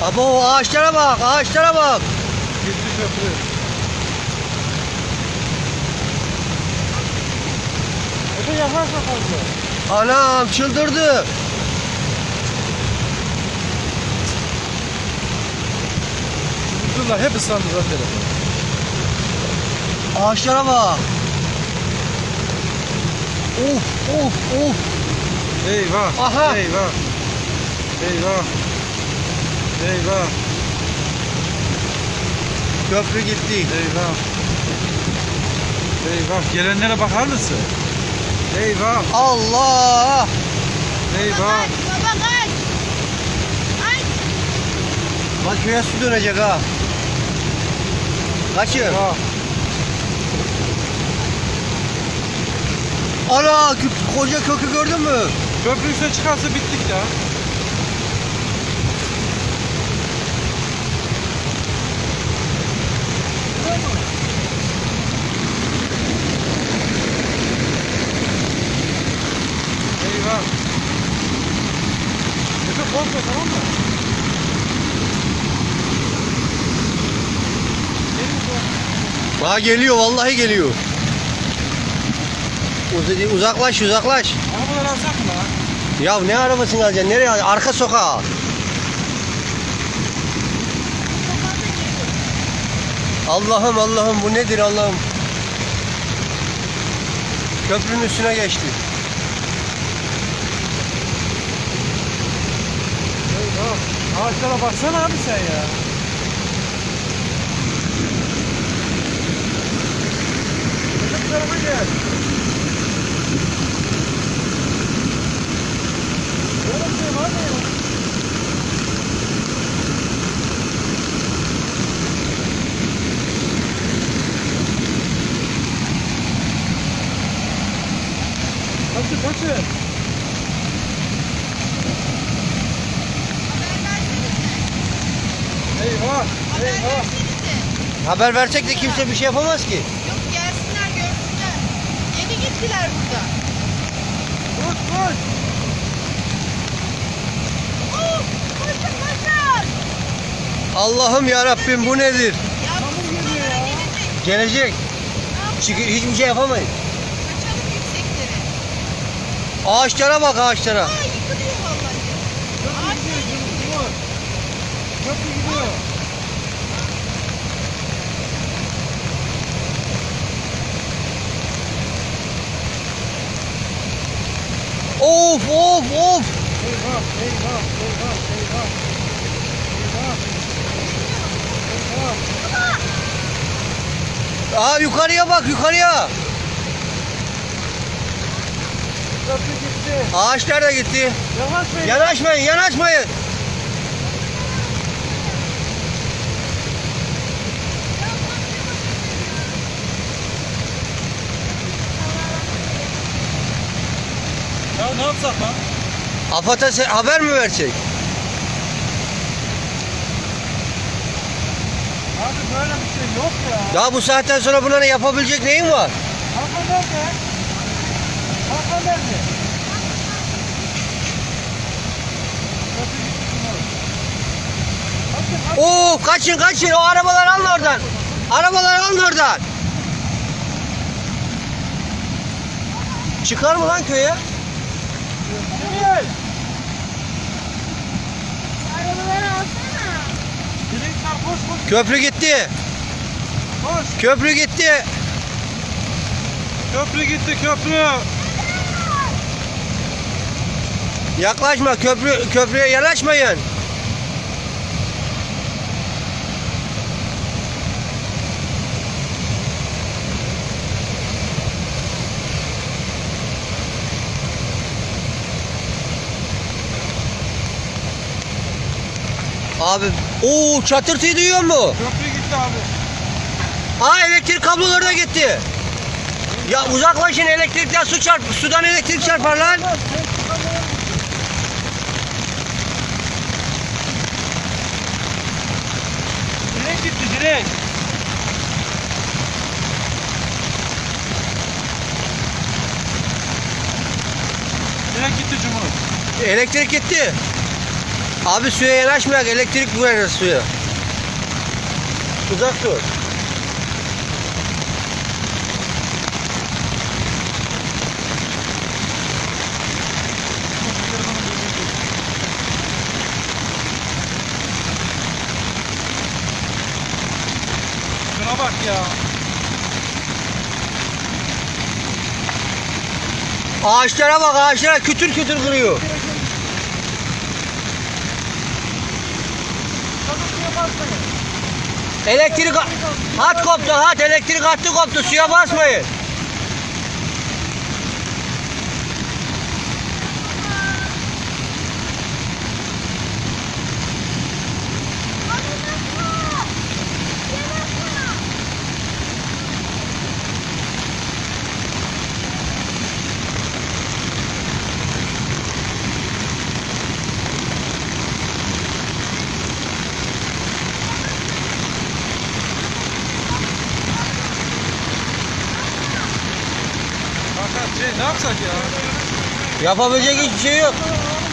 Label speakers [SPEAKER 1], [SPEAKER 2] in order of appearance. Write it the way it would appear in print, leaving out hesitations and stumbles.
[SPEAKER 1] Abo ağaçlara bak, ağaçlara bak.
[SPEAKER 2] Gitti köprü. Efe yaklaşma fazla.
[SPEAKER 1] Anam çıldırdı.
[SPEAKER 2] Bunlar hep ıslandı zaten.
[SPEAKER 1] Ağaçlara bak. Of of of.
[SPEAKER 2] Eyvah.
[SPEAKER 1] Aha.
[SPEAKER 2] Eyvah. Eyvah. Eyvah.
[SPEAKER 1] Köprü gitti.
[SPEAKER 2] Eyvah. Eyvah. Gelenlere bakar mısın? Eyvah.
[SPEAKER 1] Allah.
[SPEAKER 2] Eyvah.
[SPEAKER 3] Baba kaç. Ay.
[SPEAKER 1] Bak köye su dönecek ha. Kaçın.
[SPEAKER 2] Eyvah.
[SPEAKER 1] Ana koca kökü gördün mü?
[SPEAKER 2] Köprü üstüne çıkarsa bittik ya. Eyvah. Efe korkma, tamam mı?
[SPEAKER 1] Ha geliyor vallahi geliyor. Uzaklaş uzaklaş.
[SPEAKER 2] Arabaları alsak mı lan?
[SPEAKER 1] Ya ne arabasını alacaksın? Nereye alacaksın? Arka sokağa. Allah'ım Allah'ım bu nedir Allah'ım? Köprünün üstüne geçti.
[SPEAKER 2] Eyvah. Ağaçlara baksana abi sen ya. Bu tarafa gel. Böyle bir şey var mı ya? Kaçın kaçın. Eyvah. Eyvah.
[SPEAKER 1] Haber versek de kimse bir şey yapamaz ki.
[SPEAKER 3] Yok gelsinler görsünler. Yeni gittiler burada.
[SPEAKER 2] Koş koş.
[SPEAKER 3] Koşun koşun.
[SPEAKER 1] Allah'ım ya Rabbim bu nedir?
[SPEAKER 3] Ya
[SPEAKER 2] Çamur
[SPEAKER 3] bu
[SPEAKER 2] geliyor ya.
[SPEAKER 3] gelecek.
[SPEAKER 1] Gelecek. Çünkü hiçbir şey yapamayız.
[SPEAKER 3] Kaçalım yükseklere.
[SPEAKER 1] Ağaçlara bak ağaçlara.
[SPEAKER 3] Aa yıkılıyor vallahi.
[SPEAKER 2] Köprü gidiyor. Gidiyor. Köprü gidiyor.
[SPEAKER 1] Of of of.
[SPEAKER 2] Eyvah. Eyvah. Eyvah. Eyvah. Eyvah. Eyvah.
[SPEAKER 1] Aa yukarıya bak yukarıya.
[SPEAKER 2] Köprü gitti.
[SPEAKER 1] Ağaçlar da gitti.
[SPEAKER 2] Yavaşlayın.
[SPEAKER 1] Yanaşmayın yanaşmayın.
[SPEAKER 2] Ya ne yapsak lan?
[SPEAKER 1] AFAD'a haber mi versek?
[SPEAKER 2] Abi böyle bir şey yok ya.
[SPEAKER 1] Ya bu saatten sonra buna ne yapabilecek neyin var?
[SPEAKER 2] Hakan nerede? Hakan nerede? Köprü gitti şunlar. Kaçın kaçın.
[SPEAKER 1] Oo kaçın kaçın o arabaları alın oradan. Arabaları alın oradan. Çıkar mı lan köye?
[SPEAKER 2] Gel.
[SPEAKER 3] Arabaları alsana.
[SPEAKER 2] Direkler koş koş
[SPEAKER 1] Köprü gitti.
[SPEAKER 2] koş.
[SPEAKER 1] Köprü gitti.
[SPEAKER 2] Köprü gitti köprü.
[SPEAKER 1] Yaklaşma köprüye yanaşmayın. Abi o çatırtıyı duyuyor mu?
[SPEAKER 2] Köprü gitti abi.
[SPEAKER 1] Aa elektrik kabloları da gitti. Ya uzaklaşın elektrikten sudan elektrik çarpar lan.
[SPEAKER 2] Direkt gitti direkt. Direkt gitti Cumhur.
[SPEAKER 1] Elektrik gitti. Abi suya yanaşmayak, elektrik vurar suya. Uzak dur.
[SPEAKER 2] Şuna bak ya.
[SPEAKER 1] Ağaçlara bak, ağaçlara kütür kütür kırıyor. Elektrik hat koptu, hat elektrik hattı koptu, suya basmayın.
[SPEAKER 2] Fakat ne yapsak ya?
[SPEAKER 1] Yapabilecek hiçbir şey yok.